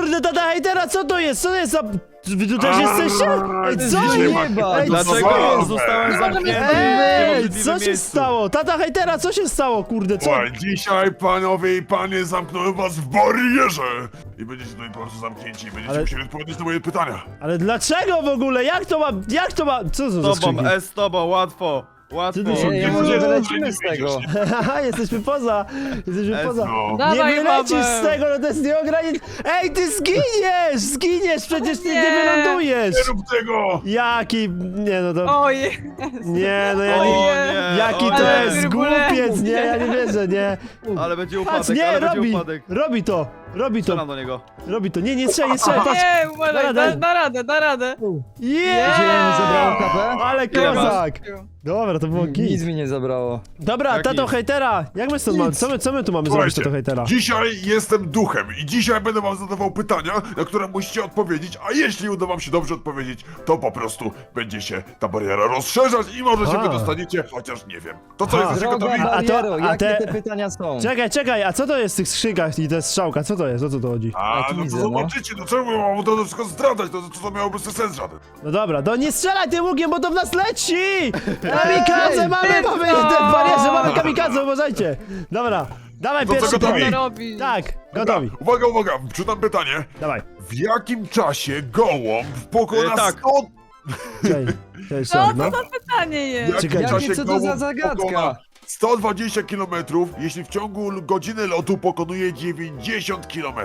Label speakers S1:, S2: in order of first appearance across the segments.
S1: kurde, tata hejtera, co to jest? Co to jest za... Wy tu też jesteście? Ej, co
S2: Nie
S1: jest?
S2: ma.
S1: Ej,
S3: Dlaczego zostałem zamknięty w
S1: Ej,
S3: niemożliwym
S1: co się
S3: miejscu?
S1: stało? Tata hejtera, co się stało, kurde, co?
S4: Słuchaj, dzisiaj panowie i panie zamknąłem was w barierze! I będziecie tutaj po prostu zamknięci i będziecie
S1: Ale-
S4: musieli odpowiedzieć na moje pytania.
S1: Ale dlaczego w ogóle? Jak to ma... Co to za
S3: Z
S1: skrzynki?
S3: tobą, z tobą, łatwo. Łatwo.
S1: Ty się-
S2: Nie, może wylecimy z tego.
S1: Haha, jesteśmy poza. Jesteśmy poza.
S4: No.
S1: Nie
S5: Dawaj,
S1: wylecisz
S5: Paweł.
S1: z tego, no to jest nieograniczone. Ej, ty zginiesz! Zginiesz, przecież ty nie
S5: Nie.
S1: wylądujesz!
S4: Nie rób tego!
S1: Jaki... Nie, no to...
S5: Oj,
S1: Nie, no ja
S3: O
S1: nie...
S3: nie,
S1: Jaki
S3: o
S1: to
S3: nie.
S1: jest
S5: turbulentnie.
S1: głupiec, nie, ja nie wierzę, nie.
S3: Ale będzie
S1: Patrz,
S3: upadek,
S1: nie,
S3: ale będzie
S1: robi!
S3: upadek.
S1: Robi to! Robi
S3: Strzelam
S1: to!
S3: do niego.
S1: Robi to! Nie strzelaj, patrz!
S5: nie, uważaj,
S1: Daj.
S5: da radę, da radę.
S2: Zielony zabrało
S1: Yeah!
S2: kapę?
S1: Ale
S3: Ile masz?
S1: kozak! Dobra, to było
S2: Nic
S1: git.
S2: mi nie zabrało.
S1: Dobra,
S3: Jak
S1: tato
S3: nic?
S1: hejtera! Jak my stąd mamy? Co my tu mamy zrobić,
S4: Słuchajcie,
S1: tato hejtera?
S4: dzisiaj jestem duchem i dzisiaj będę wam zadawał pytania, na które musicie odpowiedzieć, a jeśli uda wam się dobrze odpowiedzieć, to po prostu będzie się ta bariera rozszerzać i może się
S1: A.
S4: wydostaniecie, chociaż nie wiem. To co,
S1: A.
S4: jesteście
S2: Droga
S4: gotowi?
S2: bariero,
S1: a
S2: jakie
S1: te-
S2: te pytania są?
S1: Czekaj, a co to jest w tych skrzynkach i to jest strzałka? Co to jest? O co to chodzi?
S4: A,
S2: tu
S4: no
S2: widzę,
S4: to
S2: no.
S4: zobaczycie, no czemu mam to wszystko zdradzać, to miałoby sens żaden.
S1: No dobra, nie strzelaj tym ługiem, bo to w nas leci! Kamikadze mamy te barierze, mamy kamikadze, uważajcie! Dobra, dawaj
S4: To co,
S1: pierwszy
S4: gotowi?
S5: Co
S1: pytanie.
S5: robi?
S1: Tak,
S4: Dobra,
S1: gotowi.
S4: Uwaga, czytam pytanie.
S1: Dawaj.
S4: W jakim czasie gołąb pokona
S3: Tak.
S4: 100...
S1: Cześć,
S5: Co
S1: no.
S5: to za pytanie
S4: W
S5: jest?
S4: jakim
S1: Czekaj.
S4: czasie
S2: Jakie, co to za
S4: gołąb
S2: zagadka?
S4: pokona 120 km, jeśli w ciągu godziny lotu pokonuje 90 km?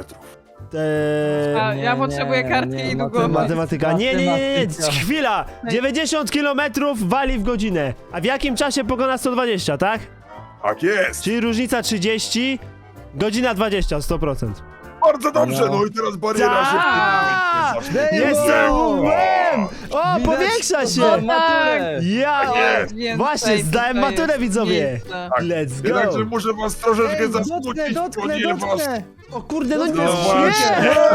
S5: A, ja
S2: Nie,
S5: potrzebuję
S2: nie,
S5: kartki
S2: nie,
S5: i długopis.
S1: Matematyka. Nie,
S2: Matematyka.
S1: chwila! 90 km wali w godzinę. A w jakim czasie pokona 120, tak?
S4: Tak jest!
S1: Czyli różnica 30, godzina 20, 100%.
S4: Bardzo dobrze,
S2: No.
S4: no i teraz bariera się
S1: Tak!
S4: w tym momencie
S1: Jestem łbem! O,
S2: Widać
S1: powiększa
S2: to
S1: się!
S2: za maturę.
S1: Ja!
S4: Tak jest.
S5: Więcej
S1: Właśnie, zdałem
S5: tutaj
S1: maturę,
S5: jest
S1: widzowie.
S5: miejsca.
S1: Let's
S4: Jednakże
S1: go!
S4: muszę was troszeczkę
S2: Ej,
S4: zasmucić, ponieważ
S2: dotknę!
S1: O kurde, no
S4: No
S1: nie!
S4: właśnie.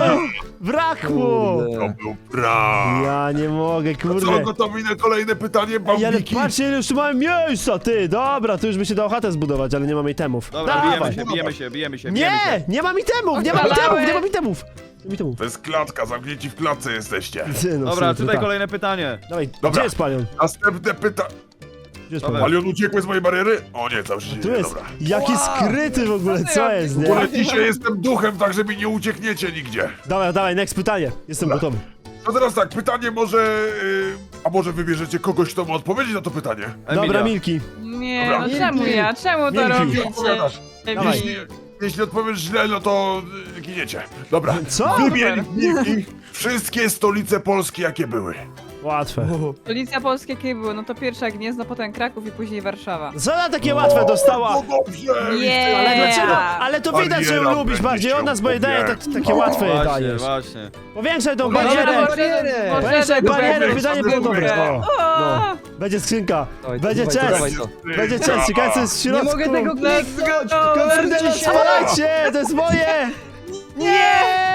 S1: Brakło!
S2: Kurde.
S4: to był brak.
S1: Ja nie mogę,
S4: Co,
S1: kurde.
S4: gotowi na kolejne pytanie,
S1: Ej, ale
S4: bambiki?
S1: patrzcie, ile już tu mamy miejsca, ty! Dobra, tu już by się dało chatę zbudować, ale nie mamy itemów.
S3: Dobra,
S1: Dawaj.
S3: bijemy się.
S1: Nie! Nie mam itemów! Nie mam itemów! Nie mam itemów! Nie mam itemów.
S4: To jest klatka, zamknięci w klatce jesteście.
S1: Ty, no,
S3: Dobra,
S1: ty,
S3: tutaj
S1: tak.
S3: kolejne pytanie.
S1: Dawaj,
S4: Dobra.
S1: gdzie jest palion?
S4: Następne pytanie.
S1: Gdzie jest
S3: Dobra.
S1: palion?
S4: Palion uciekły z mojej bariery? O nie, cały się
S1: Tu
S4: dzieje,
S1: jest.
S4: dobra.
S1: Jaki skryty w ogóle,
S5: Co ty
S1: co
S5: robisz?
S1: jest,
S4: W
S1: nie?
S4: ogóle dzisiaj jestem duchem, tak że mi nie uciekniecie nigdzie.
S1: Dawaj, next pytanie. Jestem gotowy.
S4: No teraz tak, pytanie może... a może wybierzecie kogoś, kto ma odpowiedzieć na to pytanie?
S1: Dobra,
S3: Emilia.
S1: Milki.
S5: Nie,
S4: Dobra.
S5: no czemu ja? Czemu to
S1: Milki.
S5: robicie?
S4: Odpowiadasz.
S1: Dawaj.
S4: Jeśli odpowiesz źle, no to giniecie. Dobra.
S1: Co?
S4: Wymień Milki wszystkie stolice Polski, jakie były.
S1: Łatwe.
S5: Stolica Polska jakie były? No to pierwsza Gniezno, potem Kraków i później Warszawa.
S1: Co ona takie łatwe dostała?
S4: No dobrze!
S5: Nie.
S1: Ale dlaczego?
S5: Yeah.
S1: Ale to widać, że ją
S4: Bariera
S1: lubisz
S4: będzie
S1: bardziej
S4: się
S1: od nas, bo jej daje takie łatwe
S3: Właśnie,
S1: dajesz.
S3: właśnie.
S1: Powiększaj tą
S5: Dobra,
S1: barierę.
S2: barierę.
S1: Powiększaj barierę, wydanie było dobre.
S4: Dobra.
S1: O, no. Będzie skrzynka.
S2: Dawaj,
S1: Będzie
S2: dawaj,
S1: chest.
S2: dawaj to.
S1: Będzie chest. Ciekawe co jest w
S2: Nie
S1: środku.
S2: mogę tego kliknąć!
S1: Kurde, no spalajcie! To jest moje! Nie!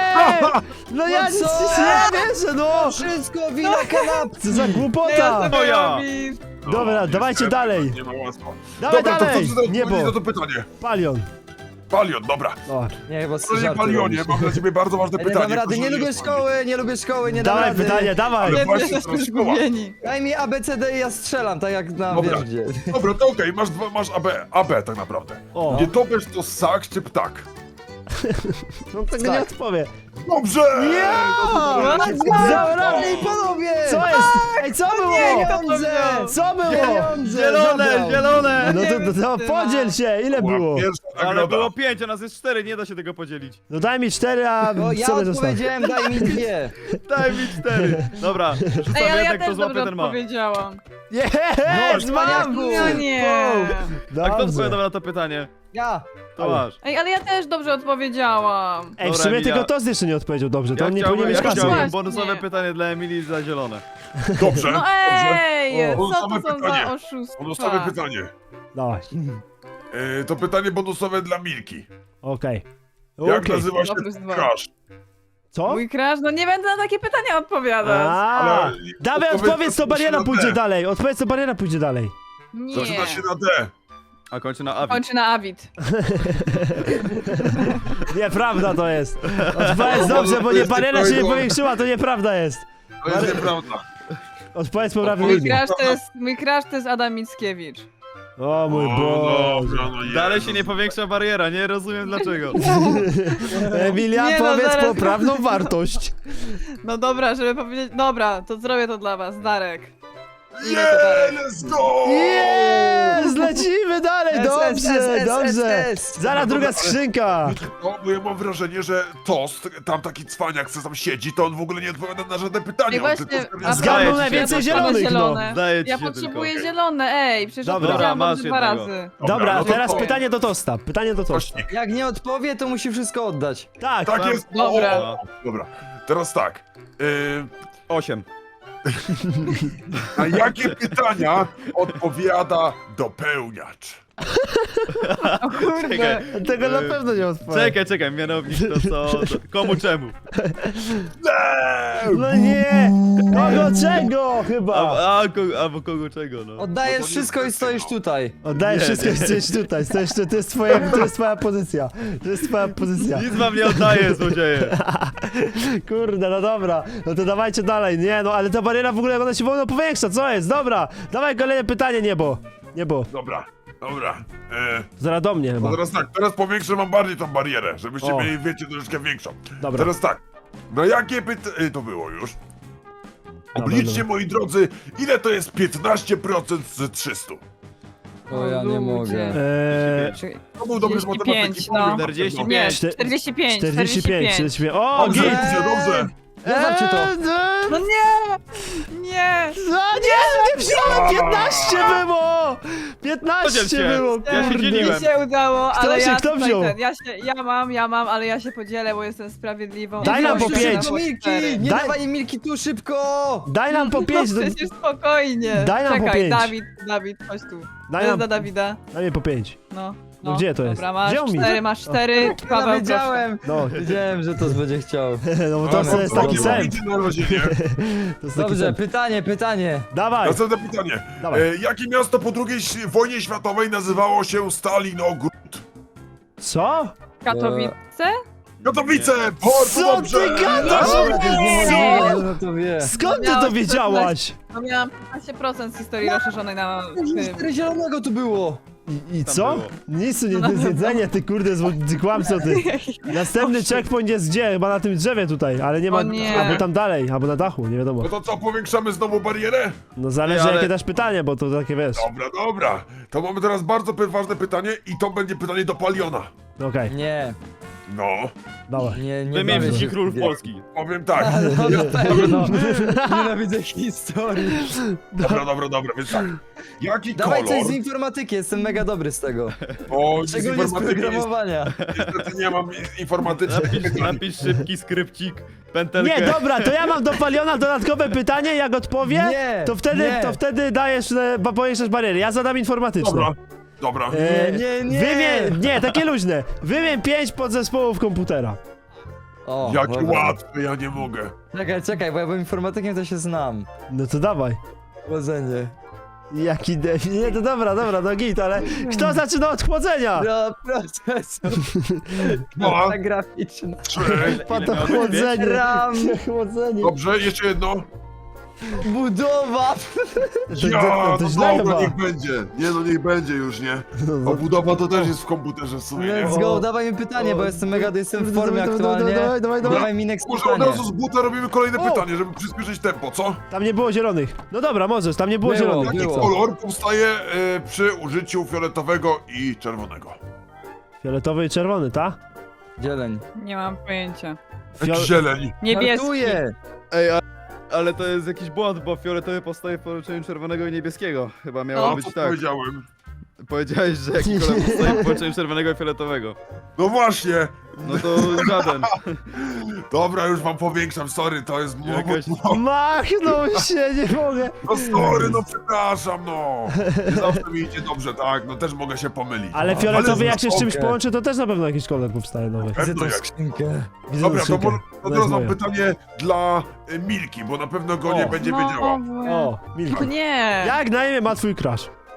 S1: No ja nic
S2: co?
S1: nie wierzę, no!
S2: Wszystko wina kanapki!
S1: Co za głupota!
S3: Moja.
S1: Dobra, dawajcie dalej.
S4: Nie ma łatwo.
S1: Dawaj
S4: Dobra,
S1: dalej!
S4: to co
S1: Niebo.
S4: na to pytanie?
S1: Palion.
S4: Palion, dobra.
S1: O.
S2: Nie, chyba
S4: Panie
S2: żarty
S4: Palionie,
S2: robisz.
S4: mam dla ciebie bardzo ważne
S2: Ja nie
S4: pytanie.
S2: dam rady,
S4: proszę
S2: nie lubię
S4: odpowiedzieć.
S2: szkoły, nie dam
S1: Dawaj
S2: rady.
S1: pytanie, dawaj!
S4: Ale
S5: Nie,
S4: właśnie
S5: jesteśmy
S4: teraz szkoła.
S5: zgubieni.
S2: Daj mi ABCD i ja strzelam, tak jak na
S4: Dobra.
S2: wiesz gdzie.
S4: Dobra, to okej, masz AB tak naprawdę.
S1: O.
S4: Nie topesz to ssak czy ptak?
S1: No tego
S2: Tak.
S1: nie odpowie.
S4: Dobrze!
S1: Ja!
S2: Zabrali panowie!
S1: Co jest? Ej, co było?
S2: Pieniądze!
S1: Co było?
S2: Pieniądze!
S3: Zielone,
S2: zabrał.
S3: zielone!
S1: No to podziel się, ile było?
S4: Pierwsza
S3: Ale
S4: nagroda.
S3: było 5, a nas jest 4, nie da się tego podzielić.
S1: No daj mi 4, a
S2: No ja
S1: sobie zostaw.
S2: odpowiedziałem, daj mi 2.
S3: Daj mi 4. Dobra, rzucam
S5: Ej, ale ja
S3: jednak, kto
S5: też
S3: złapie,
S5: dobrze
S3: ten ma.
S5: odpowiedziałam.
S1: Jest, mam!
S2: cwaniaku.
S5: No nie.
S3: A kto
S1: Dobrze.
S3: odpowiadał na to pytanie?
S2: Ja!
S3: To masz.
S5: Ej, ale ja też dobrze odpowiedziałam.
S1: Ej, w
S3: Dobra,
S1: sumie
S3: Emilia.
S1: tylko Toz jeszcze nie odpowiedział dobrze, to on nie
S3: chciałbym-
S1: powinien mieć
S3: ja
S1: kasy.
S3: chciałbym
S5: Właśnie.
S3: bonusowe pytanie dla Emilii za zielone.
S4: Dobrze,
S5: No
S4: dobrze.
S5: ej,
S1: O.
S5: co to są
S4: Pytanie.
S5: za oszustwa?
S4: Bonusowe pytanie.
S1: Dawaj,
S4: To pytanie bonusowe dla Milki.
S1: okej.
S4: Jak
S1: Okej.
S4: nazywa się
S5: Dobry znak.
S4: crush?
S1: Co?
S5: Mój crash? No nie będę na takie pytania odpowiadać.
S1: A,
S4: Ale-
S1: dawaj,
S4: odpowiedz,
S1: odpowiedz, to
S4: zaczyna
S1: bariera
S4: się na
S1: pójdzie
S4: D.
S1: dalej. Odpowiedz, to bariera pójdzie dalej.
S5: Nie.
S4: Zaczyna się na D.
S3: A kończy na Avi.
S5: Kończy na Avid.
S1: Nieprawda to jest. Odpowiedz dobrze, bo nie bariera się nie powiększyła, to nieprawda jest.
S4: To jest nieprawda.
S1: Odpowiedz poprawnie.
S5: Mój crush to jest Adam Mickiewicz.
S1: O mój
S4: O,
S1: Boże.
S4: dobra, no
S3: Dalej
S4: Jezus.
S3: się nie powiększa bariera, nie rozumiem dlaczego.
S1: Emilia,
S5: Nie, no,
S1: powiedz
S5: zaraz-
S1: poprawną wartość.
S5: No dobra, żeby powiedzieć... Dobra, to zrobię to dla was, Darek. Ile to Darek?
S4: Let's go!
S1: Jest! Lecimy dalej, dobrze, dobrze.
S2: S.
S1: Zaraz druga skrzynka.
S4: No, bo ja mam wrażenie, że Tost, tam taki cwaniak, co tam siedzi, to on w ogóle nie odpowiada na żadne pytania.
S5: Ej,
S4: On
S5: właśnie,
S4: tylko
S5: a
S1: Zgadnął
S3: Zdaje ci
S1: najwięcej
S3: się,
S1: zielonych, no.
S5: zielone.
S3: Zdaje ci
S5: Ja
S3: się
S5: potrzebuję
S3: tylko.
S5: zielone, ej, przecież
S1: Dobra.
S5: odpowiedziałam
S3: Dobra,
S5: dobrze
S3: masz
S5: 2
S3: jednego.
S5: razy.
S1: Dobra,
S4: no to
S1: teraz
S4: to.
S1: pytanie do Tosta. Pytanie do Tosta.
S4: Kośnik.
S2: Jak nie odpowie, to musi wszystko oddać.
S1: Tak,
S4: Tak jest.
S5: Dobra.
S4: O, dobra. Teraz tak.
S3: 8.
S4: Na jakie pytania odpowiada dopełniacz?
S5: O kurde.
S3: Czekaj,
S1: tego na pewno nie odpowiem.
S3: czekaj, mianownik to co? Komu czemu?
S1: No nie! Kogo czego chyba?
S3: Albo kogo czego, no.
S2: Oddajesz
S4: No to nie
S2: wszystko i
S4: jest
S2: stoisz
S4: tego.
S2: tutaj.
S1: Oddajesz
S3: Nie,
S1: wszystko i stoisz tutaj. To jest twoja pozycja. To jest twoja pozycja.
S3: Nic wam nie oddaję, złodzieje.
S1: Kurde, no dobra. No to dawajcie dalej. Nie, no ale ta bariera w ogóle ona się wolno powiększa. Co jest? Dobra. Dawaj kolejne pytanie, niebo. Niebo.
S4: Dobra, dobra.
S1: Zaraz do mnie chyba.
S4: No teraz tak, teraz powiększę wam bardziej tą barierę, żebyście
S1: O.
S4: mieli, wiecie, troszeczkę większą.
S1: Dobra.
S4: Teraz tak, na jakie pytanie... To było już. Obliczcie,
S1: dobra.
S4: moi drodzy, ile to jest 15% z 300?
S2: O, ja nie
S5: ludzie.
S2: mogę.
S4: To był dobry z
S5: 45,
S4: matematyki.
S5: no.
S4: powiem wam
S3: 45.
S5: Nie,
S1: Czte-
S5: 45,
S1: 45. 45. O,
S4: Dobrze,
S1: git!
S4: dobrze.
S2: Zobaczcie to.
S5: No nie! Nie!
S1: No nie wziąłem! 15 było! 15
S3: Podziel się.
S1: było,
S3: Ja się
S1: kurde.
S3: dzieliłem.
S5: Mi się udało,
S1: Kto
S5: ale
S1: się-
S5: ja
S1: kto
S5: tutaj
S1: wziął?
S5: ja mam, ale ja się podzielę, bo jestem sprawiedliwą.
S1: Daj nam po
S2: Proszę,
S1: pięć.
S2: do Milki!
S5: cztery.
S2: Nie
S1: Daj-
S2: dawaj Milki tu, szybko!
S1: Daj nam po 5.
S5: No przecież spokojnie.
S1: Daj nam po
S5: Czekaj,
S1: pięć.
S5: Dawid, chodź tu.
S1: Daj
S5: To jest
S1: nam,
S5: dla Dawida.
S1: daj mi po 5.
S5: No.
S1: No gdzie to jest?
S5: Dobra, masz
S1: Wziął mi.
S5: 4, masz 4.
S2: Ja
S5: Paweł,
S2: wiedziałem!
S1: No,
S2: Wiedziałem, że to będzie chciał.
S1: no bo to jest taki sen.
S4: Na razie nie.
S1: To jest taki
S2: Dobrze,
S1: sen.
S2: pytanie.
S1: Dawaj.
S4: Następne pytanie.
S1: Dawaj.
S4: Jakie miasto po II wojnie światowej nazywało się Stalinogród?
S1: Co?
S5: Katowice?
S4: Katowice!
S1: Co
S4: Bardzo dobrze!
S1: ty gadasz?
S2: Dobra, to jest
S1: Co?
S2: nie, no to wie.
S1: Skąd ty
S5: Miałeś
S1: to wiedziałaś?
S5: No miałam 15% z historii rozszerzonej na tym.
S2: 4 zielonego tu było.
S1: I
S3: Tam
S1: co?
S3: było.
S1: Nic tu nie do zjedzenia, ty kurde, ty kłamco ty. Następny checkpoint jest gdzie? Chyba na tym drzewie tutaj, ale nie ma...
S5: O nie.
S1: Albo tam dalej, albo na dachu, nie wiadomo.
S4: No to co, powiększamy znowu barierę?
S1: No zależy
S3: ale-
S1: jakie dasz pytanie, bo to takie wiesz.
S4: Dobra, dobra. To mamy teraz bardzo ważne pytanie i to będzie pytanie do Paliona.
S1: Okej,
S2: Nie,
S4: No,
S1: dawaj.
S2: nie
S3: Wymień
S2: bawię
S3: wszystkich
S2: się.
S3: królów Polski.
S4: powiem tak.
S2: No na pewno. Nienawidzę historii.
S4: Dobra, więc tak. Jaki
S2: Dawaj
S4: kolor?
S2: coś z informatyki, jestem mega dobry z tego.
S4: O, z
S2: Szczególnie z
S4: informatyki
S2: programowania.
S4: niestety nie mam informatycznych pytań.
S3: Napisz szybki skrypcik, pętelkę.
S1: Nie, dobra, to ja mam do Paliona dodatkowe pytanie, jak odpowie,
S2: Nie, nie.
S1: to wtedy dajesz, powiększasz bariery. Ja zadam informatyczne.
S4: Dobra.
S1: Nie, takie luźne. Wymień 5 podzespołów komputera.
S2: O,
S4: Jakie
S2: dobra.
S4: łatwe, ja nie mogę.
S2: Czekaj, bo ja byłem informatykiem, to się znam.
S1: No to dawaj.
S2: Chłodzenie.
S1: Jaki debil. Nie, to dobra, no git, ale kto zaczyna od chłodzenia?
S2: No, procesor.
S4: No.
S2: Ta graficzna.
S4: 3.
S1: Pa to
S3: miało być?
S1: chłodzenie.
S2: RAM.
S1: Chłodzenie.
S4: Dobrze, jeszcze jedno.
S2: Budowa.
S1: To źle
S4: dobra,
S1: chyba.
S4: niech będzie. Nie no, niech będzie już, nie?
S1: No,
S4: Obudowa to też jest w komputerze w sumie, nie?
S2: Let's go, dawaj mi pytanie, bo jestem w formie aktualnie.
S1: Dawaj.
S2: Dawaj mi next
S4: Może od
S2: pytanie.
S4: razu z buta robimy kolejne
S1: O!
S4: pytanie, żeby przyspieszyć tempo, co?
S1: Tam nie było zielonych. No dobra, możesz, tam nie było
S2: Było,
S1: zielonych.
S4: Jaki
S2: było.
S4: kolor powstaje przy użyciu fioletowego i czerwonego?
S1: Fioletowy i czerwony, ta?
S2: Zieleń.
S5: Nie mam pojęcia.
S4: Jaki zieleń.
S5: Niebieski.
S2: Żartuję.
S3: Ej, ale to jest jakiś błąd, bo fioletowy powstaje w połączeniu czerwonego i niebieskiego. Chyba miało
S5: No.
S3: być
S4: Co
S3: tak.
S4: powiedziałem?
S3: Powiedziałeś, że jaki kolor powstaje w połączeniu czerwonego i fioletowego.
S4: No właśnie.
S3: No to żaden.
S4: Dobra, już wam powiększam, sorry, to jest...
S3: Jakaś-
S1: Machnął się, nie mogę.
S4: No sorry, no przepraszam, no. Nie zawsze mi idzie dobrze, tak, no też mogę się pomylić.
S1: Ale fioletowy jak się z czymś
S2: okej.
S1: połączy, to też na pewno jakiś kolor powstaje nowy.
S2: Widzę tą
S4: jak.
S2: skrzynkę.
S1: Widzę
S4: Dobra, to,
S1: skrzynkę.
S4: to
S1: Ona
S4: teraz
S1: jest
S4: mam
S1: moja.
S4: pytanie dla Milki, bo na pewno go nie
S1: O.
S4: będzie
S5: No,
S4: wiedziała.
S1: O, Milka.
S5: nie.
S1: Jak na imię ma twój crush?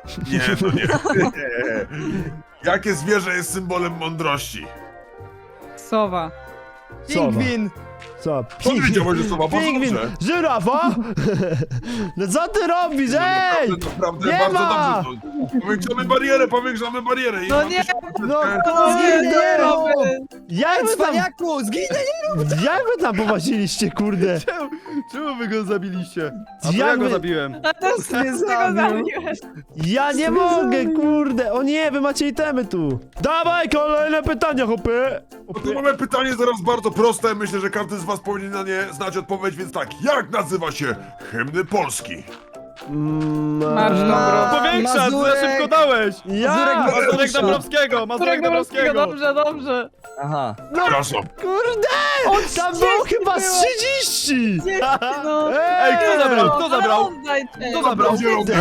S4: Nie, no nie. Jakie zwierzę jest symbolem mądrości?
S5: Sowa.
S2: Pingwin!
S1: Co?
S4: Powiedziałeś, że słowa bardzo
S1: Pingwin!
S4: dobrze.
S1: Żyrafa? No co ty robisz, ej!
S4: Naprawdę,
S1: Nie
S4: bardzo
S1: ma!
S4: dobrze. Powiększamy barierę. I
S5: No
S4: mamy
S5: nie,
S4: się-
S1: No
S2: Nie,
S1: kurde! Jak wy tam,
S2: Cwaniaku, zginę!
S1: jak wy tam powoziliście, kurde?
S3: Czemu wy go zabiliście? A to
S1: Jak
S3: ja go
S1: wy-
S3: zabiłem.
S5: a też
S2: mnie
S5: tego
S2: zabił.
S5: zabiłeś.
S1: Ja nie mogę, kurde! O nie, wy macie itemy tu! Dawaj, kolejne pytania, chłopie!
S4: No tu mamy pytanie zaraz bardzo proste. Myślę, że każdy z was powinien na nie znać odpowiedź, więc tak. Jak nazywa się hymny Polski?
S5: Marsz dobro.
S3: Powiększa, za
S2: Mazurek.
S3: szybko dałeś!
S1: Ja!
S3: Mazurek Dąbrowskiego, Mazurek
S5: Którego
S3: Dąbrowskiego!
S5: dobrze.
S2: Aha.
S4: Przepraszam.
S1: Kurde! Tam było chyba z 30!
S5: No.
S3: Ej, kto zabrał? Kto zabrał?
S5: Oddajcie.
S3: Kto zabrał?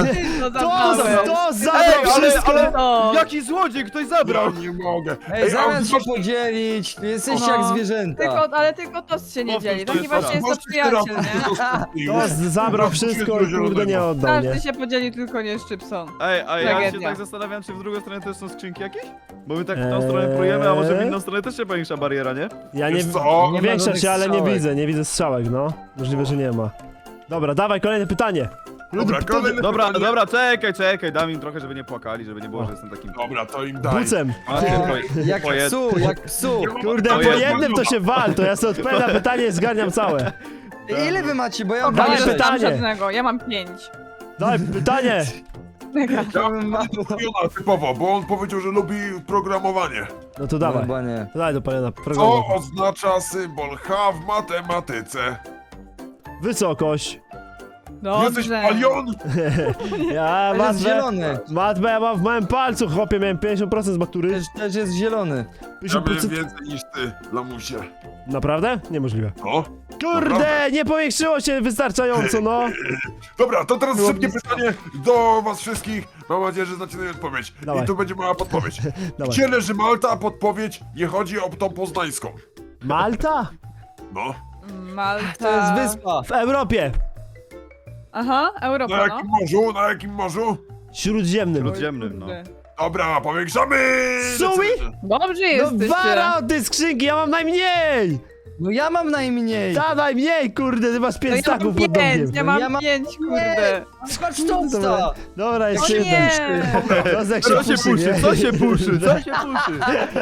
S1: To zabrał wszystko!
S5: No.
S3: Jaki złodziej, ktoś
S4: Ja
S3: zabrał!
S4: nie mogę.
S2: Ej, zamiast się
S4: masz-
S2: podzielić, jesteście
S5: No.
S2: jak zwierzęta.
S5: Ale tylko to się nie dzieli. Taki
S3: Powtórz
S5: właśnie jest to
S4: masz
S5: przyjaciel, nie?
S1: To zabrał wszystko i kurde nie oddał, nie?
S5: Każdy się podzieli, tylko nie Szczypson.
S3: Ej, a ja się
S5: Tragedia.
S3: tak zastanawiam, czy w drugą stronę też są skrzynki jakieś? Bo my tak w tą stronę prójemy, a może w inną stronę też się powiększa bariera, nie?
S1: Ja nie...
S4: Wiesz co?
S1: Nie
S2: Nie ma
S1: większa
S2: żadnych
S1: się, ale nie
S2: strzałek.
S1: widzę strzałek, no. Możliwe, że nie ma. Dobra, dawaj, kolejne pytanie.
S4: Dobra, kolejne
S3: Dobra,
S4: pytanie.
S3: dobra, czekaj, dam im trochę, żeby nie płakali, żeby nie było, że jestem takim...
S4: Dobra, to im daj.
S1: Bucem.
S2: Jak psu, jak psu.
S1: Kurde,
S3: To
S1: po
S3: jest-
S1: jednym to się wal, to ja sobie odpowiem na pytanie i zgarniam całe.
S2: Ile wy macie, bo ja mam
S1: Dawaj
S5: Nie
S2: sześć.
S1: pytanie.
S5: mam żadnego, ja mam 5.
S1: Dawaj, pytanie.
S4: Ja mam Jona typowo, bo on powiedział, że lubi programowanie.
S1: No to dawaj.
S2: Chyba nie.
S1: To daj do pana
S4: Co
S1: programu.
S4: oznacza symbol H w matematyce?
S1: Wysokość.
S4: Jesteś
S5: Dobrze.
S4: palion?
S1: Ja
S2: To jest
S1: matmę...
S2: zielony.
S1: Matmę ja mam w małym palcu, chłopie, miałem 50% z matury.
S2: Też jest zielony.
S4: Ja miałem
S1: 50%...
S4: więcej niż ty, lamusie.
S1: Naprawdę? Niemożliwe.
S4: No.
S1: Kurde, nie powiększyło się wystarczająco, no.
S4: Dobra, to teraz
S1: Było
S4: szybkie
S1: blisko.
S4: pytanie do was wszystkich. Mam nadzieję, że znacie na nie odpowiedź.
S1: Dawaj.
S4: I tu będzie mała podpowiedź.
S1: Dawaj.
S4: Gdzie leży Malta? A podpowiedź nie chodzi o tą poznańską.
S1: Malta?
S4: No.
S5: Malta.
S2: To jest wyspa.
S1: W Europie.
S5: Aha,
S4: Na
S5: Europa, no.
S4: jakim morzu? Na jakim morzu?
S1: Śródziemnym.
S3: Śródziemnym, no.
S5: Kurde.
S4: Dobra, powiększamy!
S1: Sui?
S5: Dobrze
S1: No
S5: jesteście.
S1: wara od tej skrzynki, ja mam najmniej!
S2: No ja mam najmniej.
S1: Ta najmniej, kurde, ty masz
S5: To
S1: 5
S5: ja mam
S1: staków pod
S5: 5,
S1: domkiem.
S5: ja mam
S2: Ja mam-
S5: 5, kurde.
S2: Patrz to
S1: Dobra, dobra,
S5: O
S1: jeszcze jedna.
S5: nie!
S1: Rozek
S3: Co się puszy, co się puszy, co się puszy?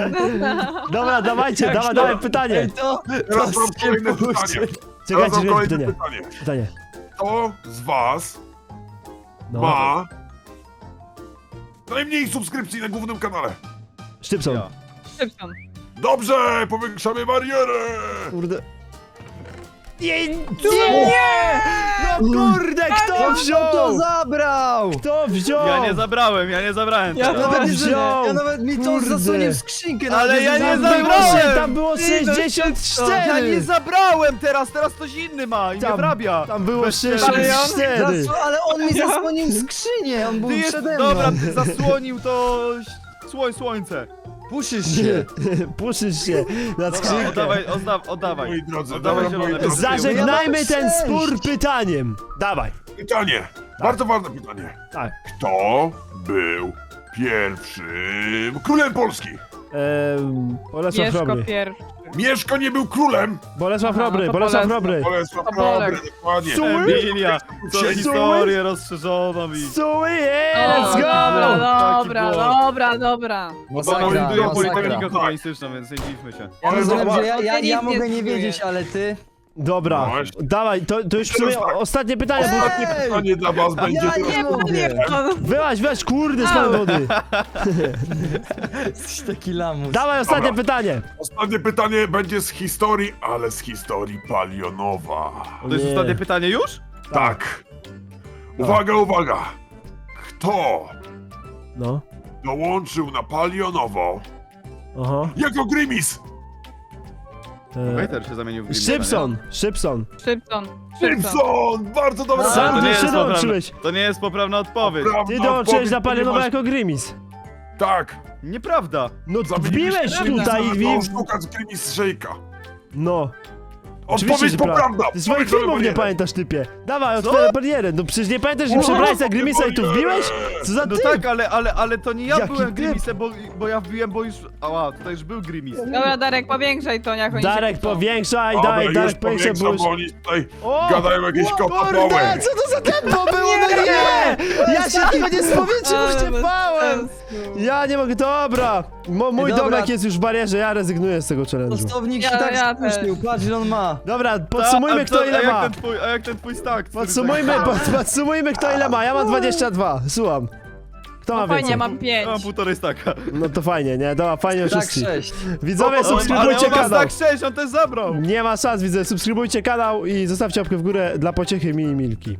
S1: Dobra, dawajcie, dawaj pytanie.
S2: Ej, to
S4: Teraz mam
S2: się
S4: kolejne
S2: puści.
S4: pytanie.
S1: Czekajcie,
S4: Teraz mam
S1: czekajcie,
S4: kolejne
S1: pytanie.
S4: pytanie.
S1: Pytanie.
S4: Kto z was
S1: No.
S4: ma najmniej subskrypcji na głównym kanale?
S1: Sztypson.
S3: Ja.
S5: Szczypson.
S4: Dobrze, powiększamy barierę!
S1: Kurde. Nie! No kurde, kto
S2: To
S1: wziął?
S2: zabrał!
S1: Kto wziął?
S3: Ja nie zabrałem
S5: Ja
S3: teraz.
S1: Kto wziął?
S2: Ja nawet mi to
S1: Kurde.
S2: zasłonił skrzynkę.
S3: Ale
S2: nawet
S3: ja nie
S1: Tam było,
S3: zabrałem!
S1: tam było
S5: Ty, no,
S1: 64!
S3: Ja nie zabrałem teraz ktoś inny ma i nie
S1: Tam-
S3: wrabia.
S1: Tam było
S3: Bez
S1: 64!
S2: Ale on mi zasłonił skrzynię, on był
S3: Ty jest,
S2: przede mną.
S3: dobra, ty zasłonił to słońce.
S2: Puszysz się.
S1: Puszysz się na
S3: Dobra,
S1: skrzynkę.
S3: oddawaj.
S4: Moi drodzy,
S3: Oddawaj
S4: dobra, moi
S3: zielone.
S4: drodzy.
S1: Zażegnajmy
S2: Ja mam
S1: ten
S2: 6.
S1: spór pytaniem. Dawaj.
S4: Pytanie, bardzo ważne pytanie.
S1: Tak.
S4: Kto był pierwszym królem Polski?
S1: Bolesław
S5: Mieszko
S1: Chrobry.
S5: pierwszy.
S4: Mieszko nie był królem!
S1: Bolesław
S5: Aha,
S1: Chrobry,
S5: to
S1: Bolesław
S5: Bolesław.
S1: Chrobry.
S4: Bolesław
S5: To Bolek.
S4: Chrobry, dokładnie.
S1: Su-
S3: Emilia, co
S4: Suły?
S3: historię rozszerzoną i...
S1: Suły,
S5: O,
S1: let's go!
S5: dobra,
S3: Taki
S5: dobra.
S3: Bo ona
S2: Masakra,
S3: buduje
S2: masakra.
S3: politykę humanistyczną, więc nie dziwmy się.
S2: Ja
S4: Ale
S2: rozumiem,
S4: zobacz-
S2: że ja
S5: Nic
S2: mogę
S5: nie
S2: nie
S5: czuję.
S2: wiedzieć, ale ty...
S1: Dobra,
S4: No właśnie.
S1: dawaj, to już w sumie
S4: Teraz tak.
S1: ostatnie pytanie, bo...
S4: Ostatnie pytanie dla was będzie
S2: ja
S4: teraz.
S2: nie mogę.
S1: Wyłaź, kurde, z tej wody.
S2: Jesteś taki lamus.
S1: Dawaj, ostatnie
S4: Dobra.
S1: pytanie.
S4: Ostatnie pytanie będzie z historii, ale z historii Palionowa.
S3: To jest
S1: Nie.
S3: ostatnie pytanie już?
S4: Tak. Uwaga, uwaga. Kto
S1: No,
S4: dołączył na Palionowo
S1: aha.
S4: jako Grimis?
S3: Waiter się zamienił w Grimsa,
S1: Szybson, Szybson.
S5: Szczypson.
S4: Simpson! Bardzo dobra
S5: No.
S3: nie?
S1: Sam
S3: To nie
S1: ty
S3: jest
S1: się
S3: poprawna-
S1: dołączyłeś.
S3: To nie jest poprawna odpowiedź.
S4: Prawda
S1: Ty dołączyłeś
S4: odpowiedź,
S1: na Palionowa
S4: ponieważ-
S1: jako Grimis.
S4: Tak.
S3: Nieprawda.
S1: No,
S4: Zamieniliśmy
S1: wbiłeś
S4: Grimisa
S1: tutaj
S4: na
S1: i...
S4: tą sztukę z Grimis Shake'a.
S1: No. Oczywiście,
S4: Odpowiedź
S1: że
S4: poprawna!
S1: Ty swoich
S4: Powiedz,
S1: filmów nie
S4: barierę.
S1: pamiętasz, typie. Dawaj, otwieraj barierę. No przecież nie pamiętasz, że przebrałeś za Grimisa i tu wbiłeś? Co za
S3: No
S1: typ?
S3: tak, ale to nie ja
S1: Jaki
S3: byłem
S1: typ?
S3: Grimisem, bo ja wbiłem, bo już... Ała, tutaj już był Grimis.
S5: Dobra, Darek, powiększaj to, jak oni
S1: Darek,
S5: się kłócą.
S1: powiększaj,
S4: Dobra,
S1: daj,
S4: już
S1: Darek, powiększaj,
S4: powiększam,
S1: bo
S4: bo
S1: już...
S4: oni tutaj
S1: O!
S4: gadają jakieś kotopoły.
S1: Kurde, co to za tempo było? No nie! Ja się tego nie spowiedział,
S5: Ale bez
S1: uciepałem!
S5: sensu.
S1: Ja nie mogę, dobra. Mój
S2: Dobra.
S1: domek jest już w barierze, ja rezygnuję z tego challenge'u.
S2: Stownik
S5: Ja-
S2: się tak
S5: ja
S2: spóźnił, patrz ile on ma.
S1: Dobra, podsumujmy kto ile ma.
S3: A jak ten twój stack? który
S1: Podsumujmy kto ile ma. Ja mam 22, słucham. Kto ma
S5: No fajnie,
S1: więcej?
S5: mam 5.
S3: Ja mam półtorej stacka.
S1: No to fajnie, nie? Dobra, fajnie
S2: Tak
S1: oszustki.
S2: 6.
S1: Widzowie,
S3: Ale
S1: subskrybujcie
S3: on ma
S1: kanał.
S3: stack 6, on też zabrał.
S1: Nie ma szans, widzę. Subskrybujcie kanał i zostawcie łapkę w górę dla pociechy Mini Milki.